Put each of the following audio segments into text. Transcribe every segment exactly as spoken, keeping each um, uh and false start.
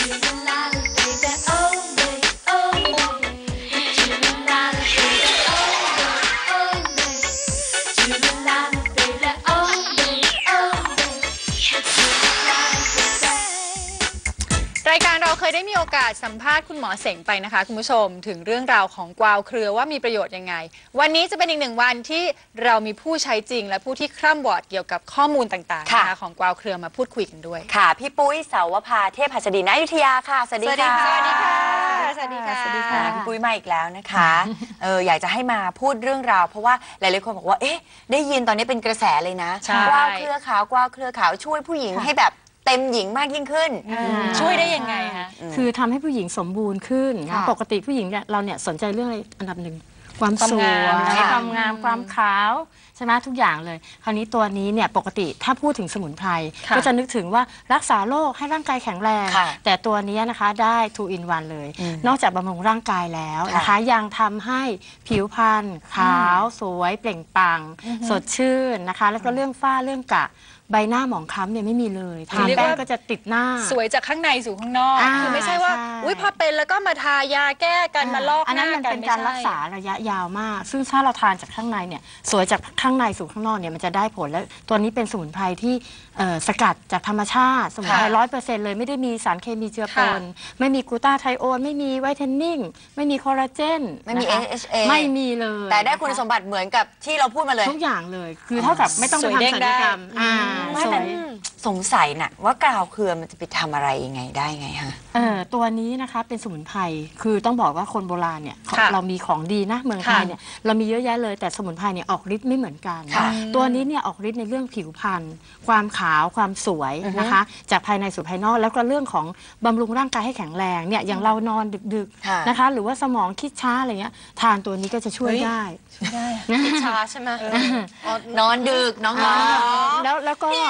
รายการเราเคยได้มีโอกาสสัมภาษณ์คุณหมอเสงไปนะคะคุณผู้ชมถึงเรื่องราวของกวาวเครือว่ามีประโยชน์ยังไงวันนี้จะเป็นอีกหนึ่งวันที่เรามีผู้ใช้จริงและผู้ที่คร่ำวอร์ดเกี่ยวกับข้อมูลต่างๆนะคะของกวาวเครือมาพูดคุยกันด้วยค่ะพี่ปุ้ยเสาวภาเทพหัสดินอยุธยาค่ะสวัสดีค่ะสวัสดีค่ะสวัสดีค่ะสวัสดีค่ะพี่ปุ้ยมาอีกแล้วนะคะเอออยากจะให้มาพูดเรื่องราวเพราะว่าหลายๆคนบอกว่าเอ๊ะได้ยินตอนนี้เป็นกระแสเลยนะกวาวเครือขาวกวาวเครือขาวช่วยผู้หญิงให้แบบเต็มหญิงมากยิ่งขึ้นช่วยได้ยังไงคะคือทำให้ผู้หญิงสมบูรณ์ขึ้นปกติผู้หญิงเนี่ยเราเนี่ยสนใจเรื่องอะไรอันดับหนึ่งความสวยความงามความขาวใช่ไหมทุกอย่างเลยคราวนี้ตัวนี้เนี่ยปกติถ้าพูดถึงสมุนไพรก็จะนึกถึงว่ารักษาโรคให้ร่างกายแข็งแรงแต่ตัวนี้นะคะได้ ทู อิน วัน เลยนอกจากบำรุงร่างกายแล้วนะคะยังทำให้ผิวพรรณขาวสวยเปล่งปลั่งสดชื่นนะคะแล้วก็เรื่องฝ้าเรื่องกระใบหน้าหมองคล้ำเนี่ยไม่มีเลยทาแป้งก็จะติดหน้าสวยจากข้างในสู่ข้างนอกคือไม่ใช่ว่าอุ้ยพอเป็นแล้วก็มาทายาแก้กันมาลอกหน้ากันอันนั้นมันเป็นการรักษาระยะยาวมากซึ่งถ้าเราทานจากข้างในเนี่ยสวยจากข้างในสู่ข้างนอกเนี่ยมันจะได้ผลและตัวนี้เป็นสมุนไพรที่สกัดจากธรรมชาติสมุนไพรร้อยเปอร์เซ็นต์เลยไม่ได้มีสารเคมีเจือปนไม่มีกลูตาไทโอนไม่มีไวท์เทนนิ่งไม่มีคอลลาเจนไม่มี เอ เอช เอไม่มีเลยแต่ได้คุณสมบัติเหมือนกับที่เราพูดมาเลยทุกอย่างเลยคือเท่ากับไม่ต้องไปทำศัลยกรรมสงสัยน่ะว่ากาวเครือมันจะไปทำอะไรยังไงได้ไงฮะเออตัวนี้นะคะเป็นสมุนไพรคือต้องบอกว่าคนโบราณเนี่ยเรามีของดีนะเมืองไทยเนี่ยเรามีเยอะแยะเลยแต่สมุนไพรเนี่ยออกฤทธิ์ไม่เหมือนกันตัวนี้เนี่ยออกฤทธิ์ในเรื่องผิวพรรณความขาวความสวยนะคะจากภายในสู่ภายนอกแล้วก็เรื่องของบำรุงร่างกายให้แข็งแรงเนี่ยอย่างเรานอนดึกๆนะคะหรือว่าสมองคิดช้าอะไรเงี้ยทานตัวนี้ก็จะช่วยได้คิดช้าใช่ไหมนอนดึกน้องๆแล้วแล้วก็พี่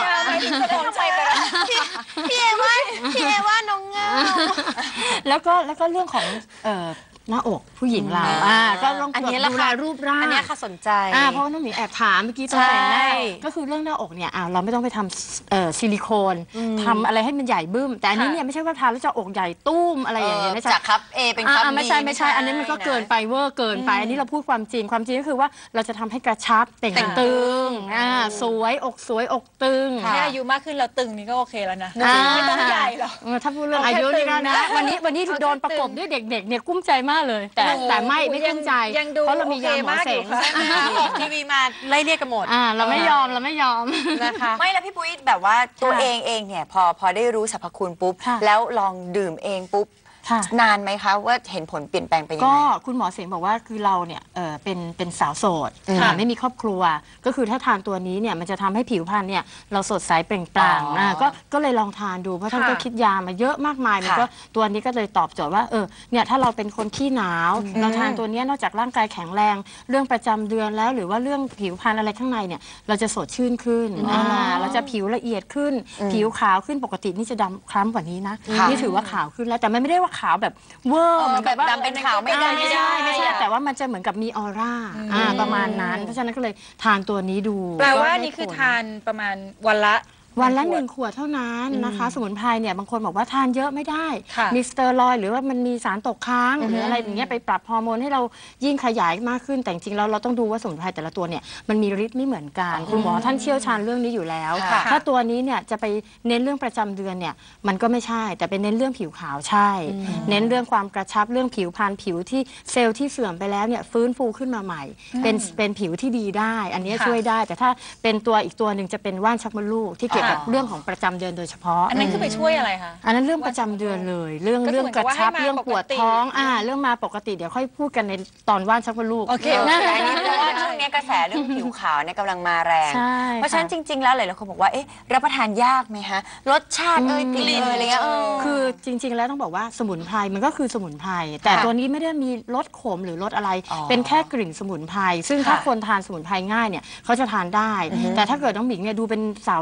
เอว่าพี่เอว่าน้องเงาแล้วก็แล้วก็เรื่องของหน้าอกผู้หญิงเราก็ต้องดูแลรูปร่างอันนี้ค่ะสนใจเพราะว่าน้องหมีแอบถามเมื่อกี้ตอนแต่งหน้าก็คือเรื่องหน้าอกเนี่ยเราไม่ต้องไปทำซิลิโคนทำอะไรให้มันใหญ่บึ้มแต่อันนี้เนี่ยไม่ใช่ว่าทานแล้วจะอกใหญ่ตุ้มอะไรอย่างเงี้ยจากครับเอเป็นครับไม่ใช่ไม่ใช่อันนี้มันก็เกินไปเวอร์เกินไปอันนี้เราพูดความจริงความจริงก็คือว่าเราจะทำให้กระชับเต่งตึงสวยอกสวยอกตึงแค่อายุมากขึ้นเราตึงนี่ก็โอเคแล้วนะไม่ต้องใหญ่หรอกถ้าพูดเรื่องอายุนี่ก็นะวันนี้วันนี้โดนประกบด้วยเด็กๆเนี่ยกุ้มใจมากเลยแต่แต่ไม่ไม่กุ้มใจเพราะเรามียาหมอเสงออกทีวีมาไล่เรียกกันหมดเราไม่ยอมเราไม่ยอมนะคะไม่แล้วพี่ปุ้ยแบบว่าตัวเองเองเนี่ยพอพอได้รู้สรรพคุณปุ๊บแล้วลองดื่มเองปุ๊บนานไหมคะว่าเห็นผลเปลี่ยนแปลงไปยังไงก็คุณหมอเสงบอกว่าคือเราเนี่ยเป็นเป็นสาวโสดไม่มีครอบครัวก็คือถ้าทานตัวนี้เนี่ยมันจะทำให้ผิวพรรณเนี่ยเราสดใสเปล่งปลั่งก็ก็เลยลองทานดูเพราะท่านก็คิดยามาเยอะมากมายมันก็ตัวนี้ก็เลยตอบโจทย์ว่าเออเนี่ยถ้าเราเป็นคนขี้หนาวเราทานตัวนี้นอกจากร่างกายแข็งแรงเรื่องประจำเดือนแล้วหรือว่าเรื่องผิวพรรณอะไรข้างในเนี่ยเราจะสดชื่นขึ้นเราจะผิวละเอียดขึ้นผิวขาวขึ้นปกตินี่จะดำคล้ำกว่านี้นะนี่ถือว่าขาวขึ้นแล้วแต่ไม่ได้ว่าขาวแบบเวอร์เหมือนแบบดำเป็นขาวไม่ได้ไม่ได้ไม่ใช่แต่ว่ามันจะเหมือนกับมีออร่าประมาณนั้นเพราะฉะนั้นก็เลยทานตัวนี้ดูแปลว่านี่คือทานประมาณวันละวันละหนึ่งขวดเท่านั้นนะคะสมุนไพรเนี่ยบางคนบอกว่าทานเยอะไม่ได้มีสเตียรอยด์หรือว่ามันมีสารตกค้างหรืออะไรอย่างเงี้ยไปปรับฮอร์โมนให้เรายิ่งขยายมากขึ้นแต่จริงๆแล้วเราต้องดูว่าสมุนไพรแต่ละตัวเนี่ยมันมีฤทธิ์ไม่เหมือนกันคุณหมอท่านเชี่ยวชาญเรื่องนี้อยู่แล้วถ้าตัวนี้เนี่ยจะไปเน้นเรื่องประจำเดือนเนี่ยมันก็ไม่ใช่แต่เป็นเน้นเรื่องผิวขาวใช่เน้นเรื่องความกระชับเรื่องผิวพรรณผิวที่เซลล์ที่เสื่อมไปแล้วเนี่ยฟื้นฟูขึ้นมาใหม่เป็นเป็นผิวที่ดีได้อันนี้ช่วยได้แต่ถ้าเป็นตัวอีกตัวหนึ่งจะเป็นว่านชักมดลูกที่เกี่ยวกับเรื่องของประจำเดือนโดยเฉพาะอันนั้นคือไปช่วยอะไรคะอันนั้นเรื่องประจำเดือนเลยเรื่องเรื่องกระชับเรื่องปวดท้องอ่าเรื่องมาปกติเดี๋ยวค่อยพูดกันในตอนว่านชักมดลูกโอเคอันนี้เพราะว่าช่วงนี้กระแสเรื่องผิวขาวเนี่ยกำลังมาแรงเพราะฉะนั้นจริงๆแล้วหลายๆคนบอกว่าเอ๊ะรับประทานยากไหมฮะรสชาติเอ่ยกลิ่นเอ่ยอะไรเงี้ยคือจริงๆแล้วต้องบอกว่าสมุนไพรมันก็คือสมุนไพรแต่ตัวนี้ไม่ได้มีรสขมหรือรสอะไรเป็นแค่กลิ่นสมุนไพรซึ่งถ้าคนทานสมุนไพรง่ายเนี่ยเขาจะทานได้แต่ถ้าเกิดน้องหมิงเนี่ยดูเป็นสาวรุ่นใหม่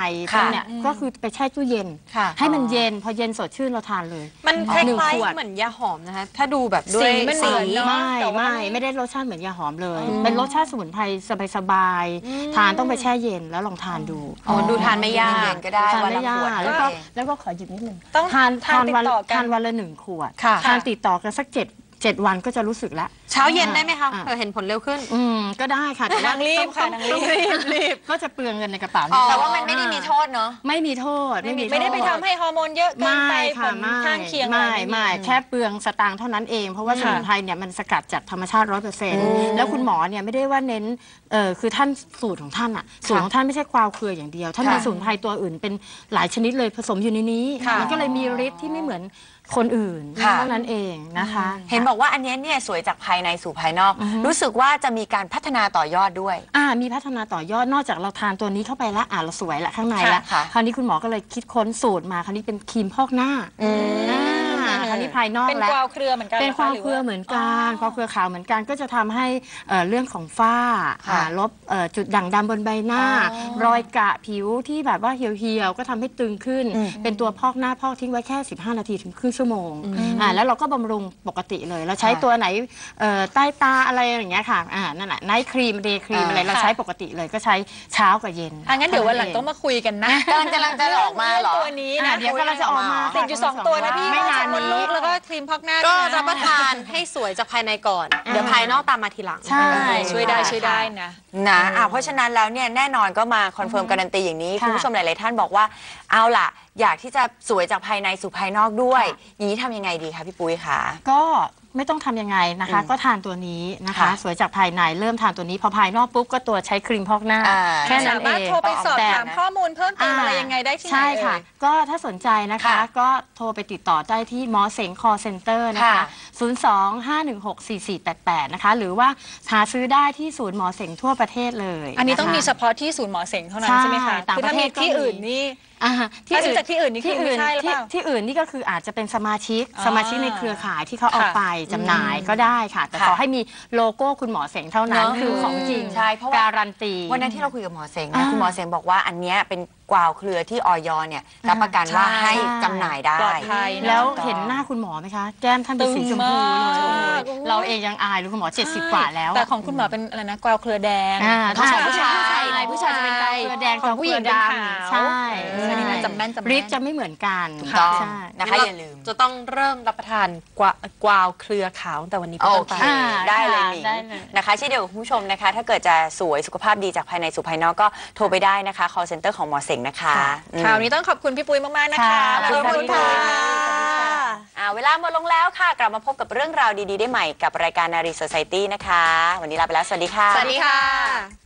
ค่ะเนี่ยก็คือไปแช่ตู้เย็นค่ะให้มันเย็นพอเย็นสดชื่นเราทานเลยมันคล้หนึ่งายขวดๆเหมือนยาหอมนะคะถ้าดูแบบด้วยสีมันเหมือนเนอะไม่แต่ว่าไม่ไม่ได้รสชาติเหมือนยาหอมเลย เป็นรสชาติสมุนไพรสบายๆทานต้องไปแช่เย็นแล้วลองทานดูอ๋อดูทานไม่ยากเย็นๆก็ได้ทานวันไม่ละยาขวดกก็แล้วโอก็เคแล้วก็ขอหยิบนิดนึงต้องทานทานทานวันติดต่อกันทานวันละหนึ่งขวดค่ะทานติดต่อกันสักเจ็ดเจ็ดวันก็จะรู้สึกแล้วเช้าเย็นได้ไหมคะอ่าเผื่อเห็นผลเร็วขึ้นอืมก็ได้ค่ะแต่ว่านางรีบค่ะต้องนางรีบรีบรีบก็จะเปลืองเงินในกระเป๋าอ๋อแต่ว่ามันไม่ได้มีโทษเนาะไม่มีโทษไม่มีไม่ได้ไปโทษทำให้ฮอร์โมนเยอะเกินไปไม่ผค่ะลไม่ข้างเคียงไม่อะรไม่แค่เปลืองสตางค์เท่านั้นเอง เพราะว่าสค่ะมุนไพรเนี่ยมันสกัดจากธรรมชาติร้อยเปอร์เซ็นต์แล้วคุณหมอเนี่ยไม่ได้ว่าเน้นเออคือท่านสูตรของท่านอะสูตรของท่านไม่ใช่กวาวเครืออย่างเดียว ท่านค่ะมีสมุนไพรตัวอื่นเป็นหลายชนิดเลยผสมอยู่ในนี้ค่ะมันก็เลยมีฤทธิ์ที่ไม่เหมือนคนอื่นค่ะเท่านั้นเองนะคะเห็นบอกว่าอันเนี้ยเนี่ยสวยจากภายในสู่ภายนอก รู้สึกว่าจะมีการพัฒนาต่อยอดด้วยอ่ามีพัฒนาต่อยอดนอกจากเราทานตัวนี้เข้าไปแล้วอ่าเราสวยละข้างในละค่ะคราวนี้คุณหมอก็เลยคิดค้นสูตรมาคราวนี้เป็นครีมพอกหน้าอ่าคราวนี้ภายนอกเป็นแล้วกวาวเครือเหมือนกันเป็นหควาวหเครือว่เหมือนกันควาวเครือขาวเหมือนกันก็จะทำให้เอ่อเรื่องของฝ้าค่ะอ่าลบเอ่อจุดด่างดำบนใบหน้าอ๋อรอยกระผิวที่แบบว่าเหี่ยวๆก็ทำให้ตึงขึ้นอืมเป็นตัวพอกหน้าพอกทิ้งไว้แค่สิบห้านาทีถึงครึ่งชั่วโมงอ่าแล้วเราก็บำรุงปกติเลยเราใช้ค่ะตัวไหนเอ่อใต้ตาอะไรอย่างเงี้ยค่ะอ่านั่นแหละไนท์ครีมเดย์ครีมอ่าอะไรเราใช้ปกติเลยก็ใช้เช้ากับเย็นอ่ะงั้นเดี๋ยววันหลังต้องมาคุยกันนะกำลังจะกำลังจะออกมาเหรอตัวนี้อ่านะเดี๋ยวก็เราจะออกมาติดอยู่สองตัวนะพี่ไม่นานมดนี้ลูกแล้วก็ครีมพอกหน้าก็ด้วยนะรับประทานให้สวยจากภายในก่อน เดี๋ยวภายนอกตามมาทีหลังใช่ช่วยได้ช่วยได้นะนะอ่ะเพราะฉะนั้นแล้วเนี่ยแน่นอนก็มาคอนเฟิร์มการันตีอย่างนี้ค่ะคุณผู้ชมหลาย ๆ ท่านบอกว่าเอาล่ะ อยากที่จะสวยจากภายในสู่ภายนอกด้วย อย่างนี้ทำยังไงดีคะพี่ปุ้ยคะก็ไม่ต้องทำยังไงนะคะ ก็ทานตัวนี้นะคะค่ะสวยจากภายในเริ่มทานตัวนี้พอภายนอกปุ๊บก็ตัวใช้ครีมพอกหน้าอ่าแค่นั้สานเอมารถงโทรไปสอบแต่ถามข้อมูลเพิ่มเติมอะไรยังไงได้ที่ไหนใช่ค่ะเอ่ยก็ถ้าสนใจนะคะค่ะก็โทรไปติดต่อได้ที่หมอเสงคอเซ็นเตอร์นะคะค่ะศูนย์ สอง ห้า หนึ่ง หก สี่ สี่ แปด แปด นะคะ หรือว่าหาซื้อได้ที่ศูนย์หมอเสงทั่วประเทศเลยอันนี้ต้องะคะมีเฉพาะที่ศูนย์หมอเสงเท่านั้นใช่ใช่ไหมคะต่างคือปถ้าระเทมีศก็ที่มีอื่นนี่อ่าถ้าซื้อจากที่อื่นนี่คือไม่ใช่หรือเปล่าที่ที่อื่นนี่ก็คืออาจจะเป็นสมาชิกอ่าสมาชิกในเครือข่ายที่เขาเอาค่ะไปจำหน่ายก็ได้ค่ะ แต่ค่ะขอให้มีโลโก้คุณหมอเสงเท่านั้นเนอะคือของจริงใช่เพราะว่าการันตีวันนั้นที่เราคุยกับหมอเสงนะอ่าคุณหมอเสงบอกว่าอันเนี้ยเป็นกวาวเครือที่ออยเนี่ยรับประกันว่าใช่ให้จำหน่ายได้ปลอดภัยนะแล้วเห็นหน้าคุณหมอไหมคะ แก้มท่านเป็นสีชมพูตึงเลมากยเราเองยังอายเลยคุณหมอเจ็ดสิบกว่าแล้วแต่ของคุณหมอเป็นอะไรนะกวาวเครือแดงอ่าผู้ชายผู้ชายผู้ชายผู้ชายจะเป็นกาวเครือแดงของผู้หญิงเป็นขาวใช่เออนี่นะจำแม่นจำแม่นฤทธิ์จะไม่เหมือนกันถูกต้องใช่นะคะอย่าลืมจะต้องเริ่มรับประทานกวากวาวเครือขาวตั้งแต่วันนี้เป็นโอต้นเคไปอ่าได้เลยค่ะหนิงได้เลยนะคะเช่นเดียวกับคุณผู้ชมนะคะ ถ้าเกิดจะสวยสุขภาพดีจากภายในสู่ภายนอกก็โทรไปได้นะคะ call center ของหมอเสงนะคะอืมคราวนี้ต้องขอบคุณพี่ปุ้ยมากๆนะคะค่ะขอบคุณค่ะขอบคุณค่ะอ่าเวลาหมดลงแล้วค่ะ กลับมาพบกับเรื่องราวดี ๆ ได้ใหม่กับรายการนารี Society นะคะ วันนี้ลาไปแล้ว สวัสดีค่ะสวัสดีค่ะ